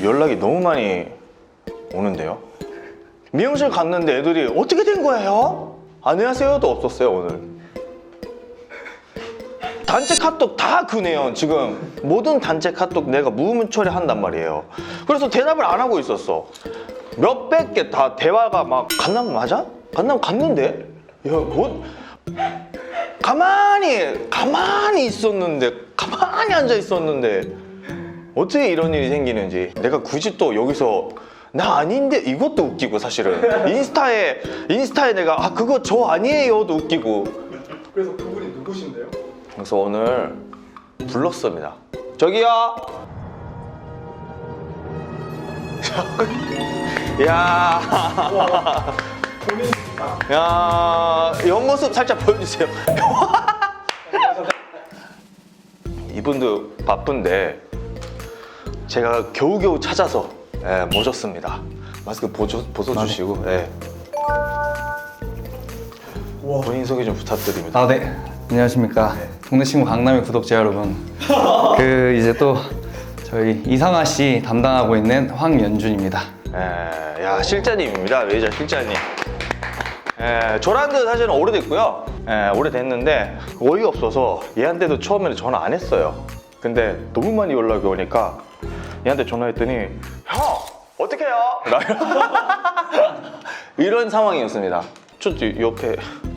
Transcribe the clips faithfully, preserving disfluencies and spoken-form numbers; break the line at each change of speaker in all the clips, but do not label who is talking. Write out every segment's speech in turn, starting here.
연락이 너무 많이 오는데요. 미용실 갔는데 애들이 어떻게 된 거예요? 안녕하세요도 없었어요 오늘. 단체 카톡 다 그네요. 지금 모든 단체 카톡 내가 무음 처리한단 말이에요. 그래서 대답을 안 하고 있었어. 몇백 개 다 대화가 막 강남 맞아? 강남 갔는데? 야, 뭐 가만히 가만히 있었는데 가만히 앉아 있었는데 어떻게 이런 일이 생기는지. 내가 굳이 또 여기서 나 아닌데 이것도 웃기고 사실은 인스타에 인스타에 내가 아 그거 저 아니에요도 웃기고.
그래서 그분이 누구신데요?
그래서 오늘 불렀습니다. 저기요. 야,
본인입니다.
야, 옆모습 살짝 보여주세요. 이분도 바쁜데 제가 겨우겨우 찾아서 예, 모셨습니다. 마스크 보조, 벗어주시고 예. 본인 소개 좀 부탁드립니다.
아, 네. 안녕하십니까. 동네 친구 강남의 구독자 여러분. 그 이제 또 저희 이상아 씨 담당하고 있는 황연준입니다.
예, 야 실장님입니다. 메이저 실장님. 예, 저랑도 사실은 오래됐고요. 예, 오래됐는데 어이가 없어서 얘한테도 처음에는 전화 안 했어요. 근데 너무 많이 연락이 오니까 얘한테 전화했더니 형 어떻게 해요? 이런 상황이었습니다. 저 옆에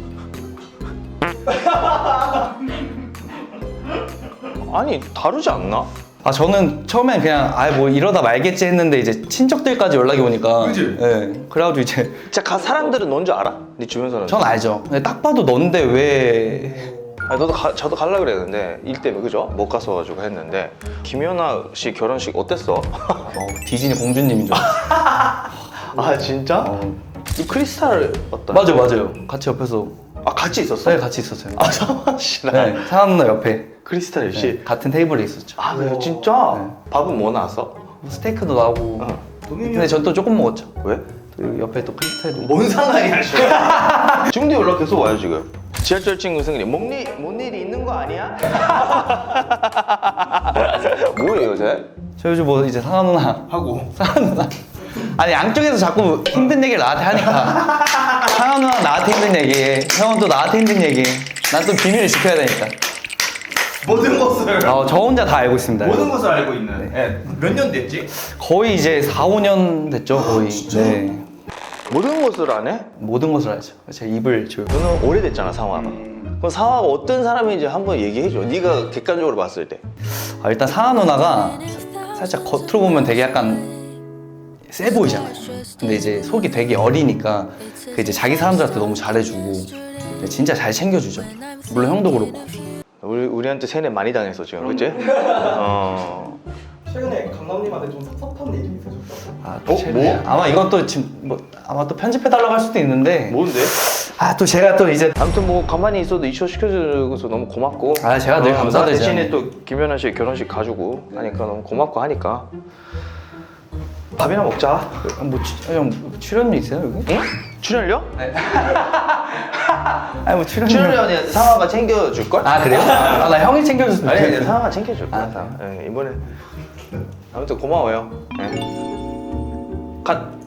아니 다르지 않나?
아, 저는 처음엔 그냥 아 뭐 이러다 말겠지 했는데 이제 친척들까지 연락이 오니까.
그치?
예. 그래가지고 이제
진짜 가 사람들은 넌 줄 알아? 네 주변 사람.
전 알죠. 근데 딱 봐도 넌데 왜?
아니, 너도 가, 저도 갈라 그랬는데 일 때문에 그죠? 못 가서 가지고 했는데 김연아 씨 결혼식 어땠어?
어, 디즈니 공주님인 줄 알았어.
아 진짜?
어.
이 크리스탈 어떤?
맞아, 맞아요. 같이 옆에서.
아 같이 있었어?
네, 같이 있었어요.
아 상아 씨랑
네, 상아 누나 옆에.
크리스탈 씨.
네, 같은 테이블에 있었죠.
아 그래요? 진짜?
네.
밥은 뭐 나왔어?
스테이크도 나오고.
어.
근데 전 또 조금 먹었죠.
왜?
그리고 옆에 또 크리스탈도 있고.
뭔 상관이야 지금? 지금도 연락 계속 와요 지금. 지하철 친구 승리 뭔, 일, 뭔 일이 있는 거 아니야? 뭐예요 요새?
저 요즘 뭐 이제 상아 누나
하고
상아 누나 아니 양쪽에서 자꾸 힘든 얘기를 나한테 하니까 상아 누나 나한테 힘든 얘기, 형은 또 나한테 힘든 얘기. 난 또 비밀을 지켜야 되니까.
모든 것을
어, 저 혼자 다 알고 있습니다.
모든 것을 알고 있는. 네. 몇 년 됐지?
거의 이제 사, 오 년 됐죠 거의. 네.
모든 것을 안 해?
모든 것을 알죠. 제 입을 조용.
너는 오래됐잖아 상화가.
음.
그럼 상화가 어떤 사람인지 한번 얘기해줘. 네가 객관적으로 봤을 때.
아, 일단 상아 누나가 살짝 겉으로 보면 되게 약간 세 보이잖아요. 근데 이제 속이 되게 어리니까 그 이제 자기 사람들한테 너무 잘해주고 진짜 잘 챙겨주죠. 물론 형도 그렇고.
우리, 우리한테 세뇌 많이 당했어 지금 그치? 어...
최근에 강남님한테 좀 섭섭한 일이 있으셨다고?
아, 또
어?
제가-
뭐?
아마 이것도 지금 뭐 아마 또 편집해달라고 할 수도 있는데.
뭔데?
아, 또 제가 또 이제
아무튼 뭐 가만히 있어도 이슈 시켜줘서 너무 고맙고.
아, 제가 늘
어,
감사드리죠.
나 대신에 또 김연아 씨 결혼식 가지고 하니까 너무 고맙고 하니까 밥이나 먹자.
뭐 치- 형 출연료 있어요 여기?
응? 출연료?
네. 아니 뭐 출연료.
출연료는 상화가 챙겨줄걸?
아, 그래요? 아, 나 형이 챙겨줬으면
아니
좋겠어.
아니 상화가 챙겨줄 거야.
아,
상화. 예, 이번에 아무튼 고마워요. 예. 갓.